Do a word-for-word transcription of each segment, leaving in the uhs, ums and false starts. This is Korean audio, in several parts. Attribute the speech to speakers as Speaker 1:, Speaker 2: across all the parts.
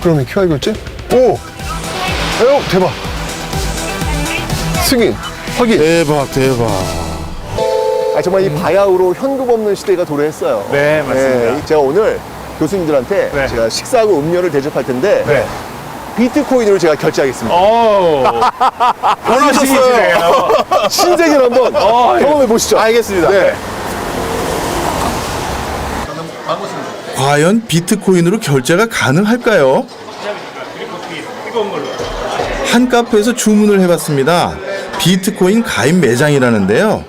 Speaker 1: 그러면 큐알 결제? 오! 에어 대박! 승인, 확인!
Speaker 2: 대박 대박.
Speaker 1: 아, 정말 이 바야흐로 현금 없는 시대가 도래했어요.
Speaker 3: 네, 맞습니다.
Speaker 1: 네, 제가 오늘 교수님들한테
Speaker 3: 네.
Speaker 1: 제가 식사하고 음료를 대접할 텐데
Speaker 3: 네.
Speaker 1: 비트코인으로 제가 결제하겠습니다.
Speaker 3: 오, 변하시네요.
Speaker 1: 신세계를 한번
Speaker 3: 어, 예.
Speaker 1: 경험해 보시죠.
Speaker 2: 알겠습니다.
Speaker 1: 네.
Speaker 4: 과연 비트코인으로 결제가 가능할까요? 한 카페에서 주문을 해봤습니다. 비트코인 가입 매장이라는데요.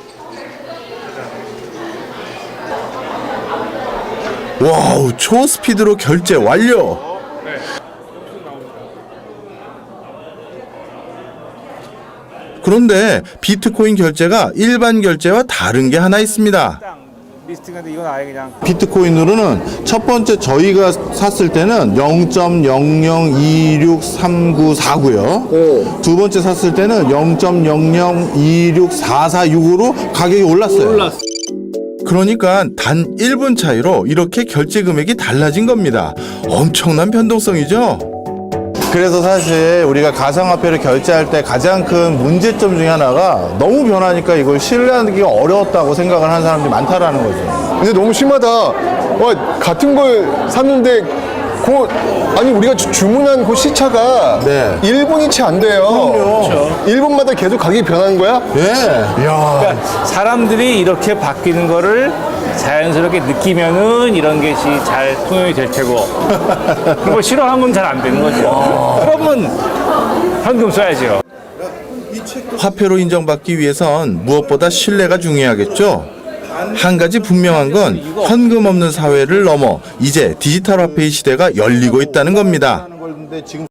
Speaker 4: 와우, 초스피드로 결제 완료! 그런데 비트코인 결제가 일반 결제와 다른 게 하나 있습니다.
Speaker 3: 리스팅인데 이건 아예 그냥
Speaker 2: 비트코인으로는 첫 번째 저희가 샀을 때는 영 점 영영이육삼구사구요.
Speaker 1: 오.
Speaker 2: 두 번째 샀을 때는 영 점 영영이육사사육으로 가격이 올랐어요.
Speaker 4: 그러니까 단 일 분 차이로 이렇게 결제 금액이 달라진 겁니다. 엄청난 변동성이죠?
Speaker 2: 그래서 사실 우리가 가상화폐를 결제할 때 가장 큰 문제점 중에 하나가 너무 변하니까 이걸 신뢰하기가 어려웠다고 생각을 하는 사람들이 많다라는 거죠.
Speaker 1: 근데 너무 심하다. 와, 같은 걸 샀는데 그 아니 우리가 주, 주문한 그 시차가
Speaker 2: 네.
Speaker 1: 일 분이 채 안 돼요.
Speaker 2: 그럼요.
Speaker 1: 일 분마다 계속 가격이 변하는 거야?
Speaker 2: 예.
Speaker 3: 그러니까 사람들이 이렇게 바뀌는 거를 자연스럽게 느끼면은 이런 것이 잘 통용이 될 테고 그리고 싫어하면 잘 안 되는 거죠. 그러면 현금 써야죠.
Speaker 4: 화폐로 인정받기 위해선 무엇보다 신뢰가 중요하겠죠? 한 가지 분명한 건 현금 없는 사회를 넘어 이제 디지털 화폐의 시대가 열리고 있다는 겁니다.
Speaker 2: 하는 건데 지금